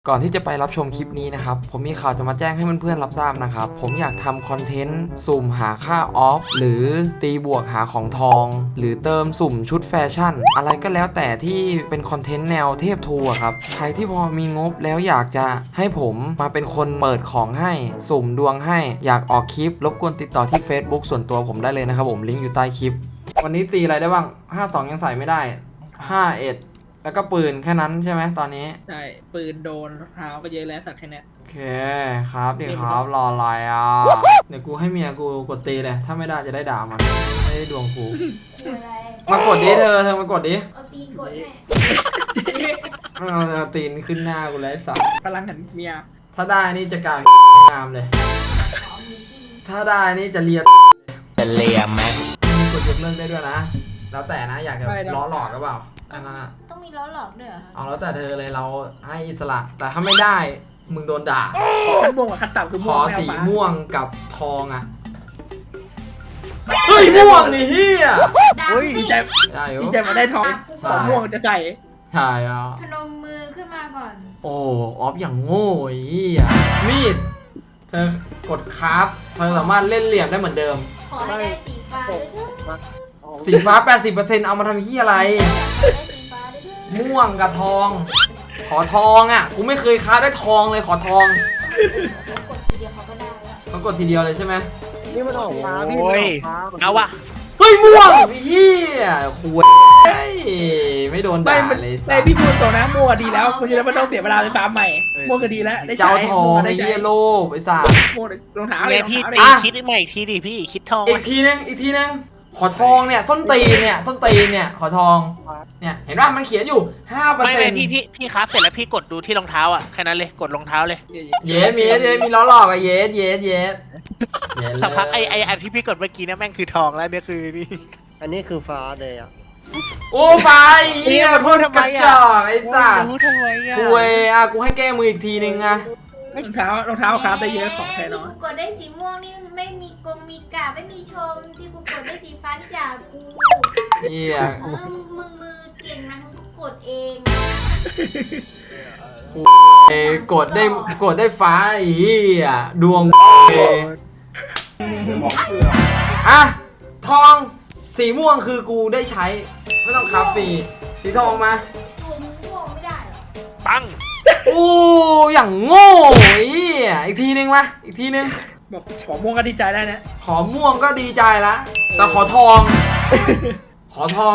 ก่อนที่จะไปรับชมคลิปนี้นะครับผมมีข่าวจะมาแจ้งให้เพื่อนๆรับทราบนะครับผมอยากทำคอนเทนต์สุ่มหาค่าออฟหรือตีบวกหาของทองหรือเติมสุ่มชุดแฟชั่นอะไรก็แล้วแต่ที่เป็นคอนเทนต์แนวเทพทูอะครับใครที่พอมีงบแล้วอยากจะให้ผมมาเป็นคนเปิดของให้สุ่มดวงให้อยากออกคลิปรบกวนติดต่อที่ Facebook ส่วนตัวผมได้เลยนะครับผมลิงก์อยู่ใต้คลิปวันนี้ตีอะไรได้บ้าง52ยังใส่ไม่ได้51แล้วก็ปืนแค่นั้นใช่ไหมตอนนี้ใช่ปืนโดนเท้าก็เยอะแล้วสัตว์แค่นี้โอเคครับเดี๋ยวครับรออะไรอ่ะเดี๋ยวกูให้เมียกูกดตีเลยถ้าไม่ได้จะได้ด่ามันไม่ได้ดวงกูมากดดิเธอมากดดิเอาตีนกดให้เอาตีนขึ้นหน้ากูเลยสัตว์พลังหันเมียถ้าได้นี่จะกลายงามเลยถ้าได้นี่จะเลียไหมมีกดยกเลิกได้ด้วยนะแล้วแต่นะอยากจะล้อหลอกหรือเปล่าอันนั้นอะต้องมีล้อหลอกด้วยเหรอคะเอาแล้วแต่เธอเลยเราให้อิสระแต่ถ้าไม่ได้มึงโดนด่าขอขั้นม่วงกับขั้นต่ำคือขม่วองไม่เอาสีฟ้าม่วงกับทองอ่ะเฮ้ยม่วงนี่เฮียดาดีสิใจได้อยู่ดีใจมาได้ทองใช่ของม่วงจะใส่ใช่อ่ะพนมมือขึ้นมาก่อนโอ้ออฟอย่างโง่ไอ้เฮียมีดเธอกดคราฟเธอสามารถเล่นเหลี่ยมได้เหมือนเดิมขอให้ได้สีฟ้าด้วยเถอะสีฟ้า 80% เอามาทำเฮียอะไรได้สีฟ้าด้วยเถอะม่วงกับทอง ขอทองอ่ะกูไม่เคยคราฟได้ทองเลยขอทองกดทีเดียวเขาก็ได้แล้วเขากดทีเดียวเลยใช่ไหมนี่มันออกฟ้าพี่โอ้ยเอาวะเฮ้ยม่วงเฮียคุยไม่โดนไม่ด่าไม่เลยสัไม่สพี่พูดตรงนะม่วงดีแล้วคุณจะได้ไม่ต้องเสียเวลาไปฟาร์มใหม่ม่วงก็ดีแล้วได้ใช้เจ้าทองได้ไอ้ใช้เฮียโลภไอ้สัสม่วงรองเท้าเลเรียยรองพี่เท้าเลยตีอ่ะคิดใหม่อีกทีดิพี่คิดทองอีกทีนึงขอทองเนี่ยส้นตีนเนี่ยส้นตีนเนี่ยขอทองเนี่ยเห็นว่ามันเขียนอยู่ไม่ 5% พี่ครับเสร็จแล้วพี่กดดูที่รองเท้าอ่ะแค่นั้นเลยกดรองเท้าเลยเยสมีล้อหลอกอะเยสสักพักไออันที่พี่กดเมื่อกี้เนี่ยแม่งคือทองแล้วเนี่ยคือนี่อันนี้คือฟ้าเลยอ่ะโอ้ไฟเฮียเนี่ยพูดทำไมอะกระจอกไอ้สัสรู้ทำไมอ่ะคุยอ่ะกูให้แก้มืออีกทีนึงอ่ะรองเท้าครับได้เยอะของแท้น้อยที่กูกดได้สีม่วงนี่ไม่มีกงมีกาไม่มีชมที่กูกดได้สีฟ้าที่ด่ากูเฮียมึงมือเก่งนะมึงก็กดเองกดได้ฟ้าไอ้เฮียดวงอ่ะทองสีม่วงคือกูได้ใช้ไม่ต้องคราฟฟรีสีทองมาตัวมึงม่วงไม่ได้เหรอปังโอ้อย่างโง่ไอ้เหี้ยอีกทีนึงมาอีกทีนึงบอกขอม่วงก็ดีใจได้นะขอม่วงก็ดีใจละแต่ขอทอง ขอทอง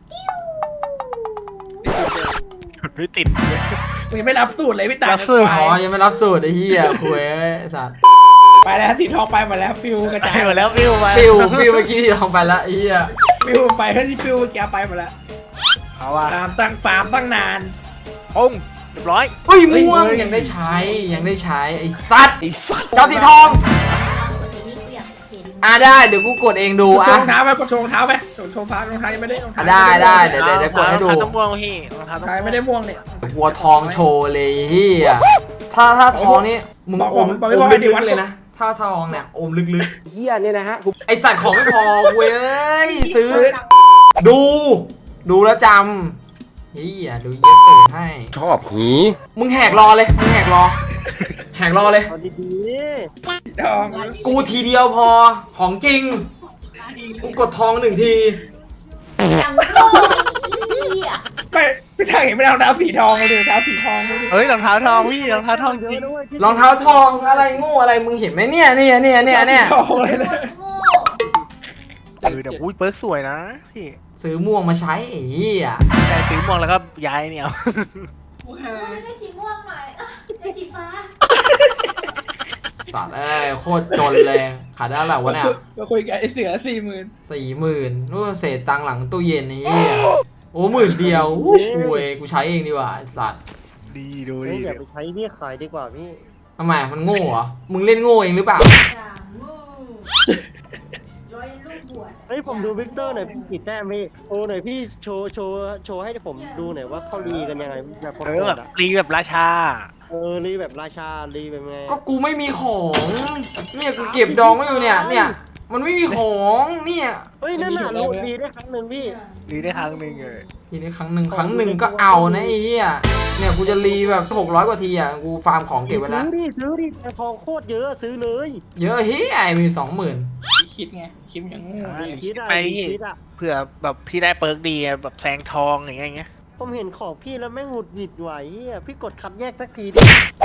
ไม่ติดมึงยังไม่รับสูตรเลยพี่ตารับสูตรอ๋อยังไม่รับสูตรไอ้เหี้ยคุยไอ้สัตว์ไปแล้วสีทองไปหมดแล้วฟิวกระไปจายหมดแล้วฟิวมาฟิวเมื่อกี้ที่ทองไปละไอ้เหี้ยฟิวไปเท่าที่ฟิวเมื่อกี้ไปหมดแล้วเอาว่ะฟาร์มตั้งนานปุ้งเรียบร้อยเฮ้ยม่วงยังได้ใช้ไอ้สัตว์เจ้าสีทองกดทีนี้กูอยากเห็นอ่ะได้เดี๋ยวกูกดเองดูกดโชอ่ะว์รองเท้าไปกดโชว์รองเท้าไปโชว์ฟ้ารองเท้ายังไม่ได้รองอ่ะเท้าได้เดี๋ยวกดให้ดูรองเท้าต้องม่วงพี่รองเท้าต้องใครไม่ได้ม่วงเนี่ยกลัวทองโชว์เลยเฮียถ้าทองนี่มึงอมลึกๆเลยนะถ้าทองเนี่ยอมลึกเฮียเนี่ยนะฮะๆไอสัตว์ของไม่พอเว้ยซื้อ ดูแล้วจำเฮียดูเย็บตูดให้ชอบหีมึงแหกรอเลยแหกรอเลยเอาดีทองกูทีเดียวพอของจริงกูกดทอง1 ทีอย่างโง่ไอ้เหี้ยไม่พี่ทางเห็นไม่ได้รองเท้าสีทองเลยรองเท้าสีทองเลยเฮ้ยรองเท้าทองพี่รองเท้าทองๆเยจริอะงด้วยรองเท้าทองอะไรโง่อะไรมึงเห็นไหมเนี่ยทองเลยนะโง่เดี๋ยวอุ้ยเปิร์กสวยนะพี่ซื้อม่วงมาใช้ไอ้เหี้ยแต่ซื้อม่วงแล้วก็ย้ายเนี่ยได้สีม่วงหน่อยได้สีฟ้าสัตว์โคตรจนเลยขาดได้แล้ววะเนี่ยมาคุยกันไอเสือ 40,000นู่นเศษตังค์หลังตู้เย็นนี่โอ้10,000เดียวกูกูใช้เองดีกว่าไอ้สัตว์ดีดูเฮ้ดียอย่าไปใช้พี่ขายดีกว่าพี่ทำไมมันโง่เหรอมึงเล่นโง่เองหรือเปล่าอย่างโง่ร้อยลูกบวชเฮ้ยผมดูวิกเตอร์หน่อยพี่กี่แต้มพี่โชว์หน่อยพี่โชว์ให้ผมดูหน่อยว่าเขารีกันยังไงแบบโคตเอรอแบบอ่ะรีแบบราชารีแบบราชารีแบบไงก็กูไม่มีของเนี่ยกูเก็บดองไว้อยู่เนี่ยมันไม่มีของเนี่ยเฮ้ยนั่นน่ะโหลดดีได้ครั้งหนึ่งพี่รีได้ครั้งหนึ่งเลยทีนี้ครั้งหนึ่งก็เอานะไอ้เหี้ยเนี่ยกูจะรีแบบ600 กว่าทีอ่ะกูฟาร์มของเก็บไว้แล้วซื้อดิแต่ทองโคตรเยอะซื้อเลยเยอะเฮ้ยมี20,000 คิดไงคิดอย่างงูคิดอะไปคิดอะเผื่อแบบพี่ได้เปิร์กดีอะแบบแซงทองอย่างเงี้ยผมเห็นของพี่แล้วแม่งหงุดหงิดไหวอะพี่กดคัดแยกสักทีดิ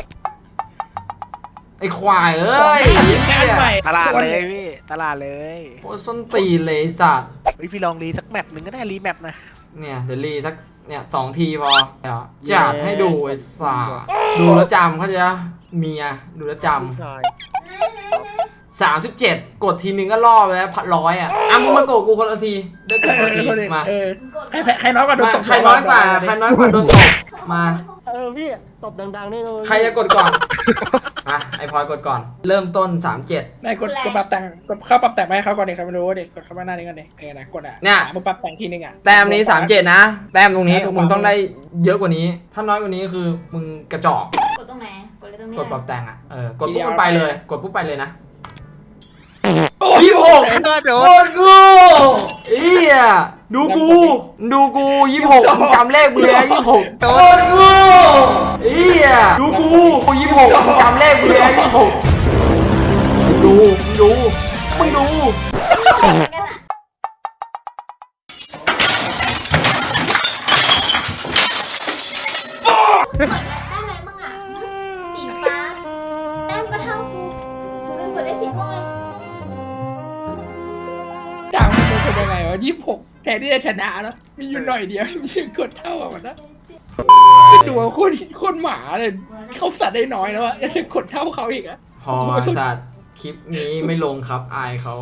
ไอ้ควายเอ้ยแค่ใหม่ตลาดเลยพี่ตลาดเลยโอ้ส้นตีนเลยสัตว์เฮ้ยพี่ลองรีสักแมปหนึ่งก็ได้รีแมปนะเนี่ยเดี๋ยวรีสักเนี่ย2 ทีพอเดี๋ยวจัดให้ดูไอ้สัตว์ดูแล้วจำเขาใจะเมียดูแล้วจใช่ำ37 กดทีนึงก็ล่อไปแล้ว100อ่ะมึงมากดกูคนละทีได้กดคนละทีมาใครน้อยกว่าโดนตบใครน้อยกว่าโดนตบมาพี่ตบดังๆได้เลยใครจะกดก่อนอ่ะไอพลอยกดก่อน เริ่มต้น 37 นายกดปรับแต่งกดเข้าปรับแต่งไปให้เขาก่อนดิครับไม่รู้ดิกดเข้ามาหน้านี้ก่อนดินะกดอ่ะมึงปรับแต่งทีนึงอ่ะแต้มนี้37นะแต้มตรงนี้มึงต้องได้เยอะกว่านี้ ถ้าน้อยกว่านี้คือมึงกระจอกกดตรงไหนกดเลยตรงนี้กดปรับแต่งอ่ะกดปุ๊บมันไปเลย กดปุ๊บไปเลยนะ26 ก็โดโคน ตรกูเอี้ยดูกู26มึงจำเลขมึงเลยนะ26โคตรกูเอี้ยดูกู26มึงจำเลขมึงเลยนะ26มึงดูกันอ่ะกดได้อะไรมั่งอ่ะสีฟ้าแต้มก็เท่ากูมึงกดได้สีม่วงเลยดังมันเป็นยังไงวะ26แทนที่จะชนะแล้วมีอยู่หน่อยเดียวมีกดเท่ากับมันนะดูคนหมาเลยเขาสัตว์ได้น้อยแล้วอะยังจะกดเท่าเขาอีกอะพอสัตว์คลิปนี้ไม่ลงครับอายเขา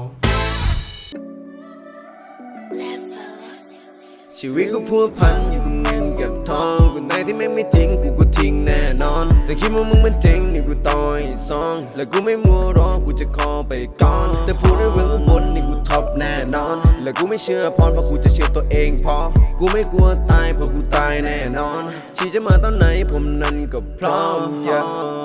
ชีวิตกูพัวพันอยู่กับเงินกับทองกูไหนที่แม่งไม่จริงกูก็ทิ้งแน่นอนแต่คิดว่ามึงมันเจ๋งนี่กูต่อยซองและกูไม่มัวรอกูจะคอไปก่อนแต่พูดในเรื่องข้างบนนี่กูท็อปแน่นอนและกูไม่เชื่อพรเพราะกูจะเชื่อตัวเองพอกูไม่กลัวตายเพราะกูตายแน่นอนชีจะมาตอนไหนผมนั้นก็พร้อม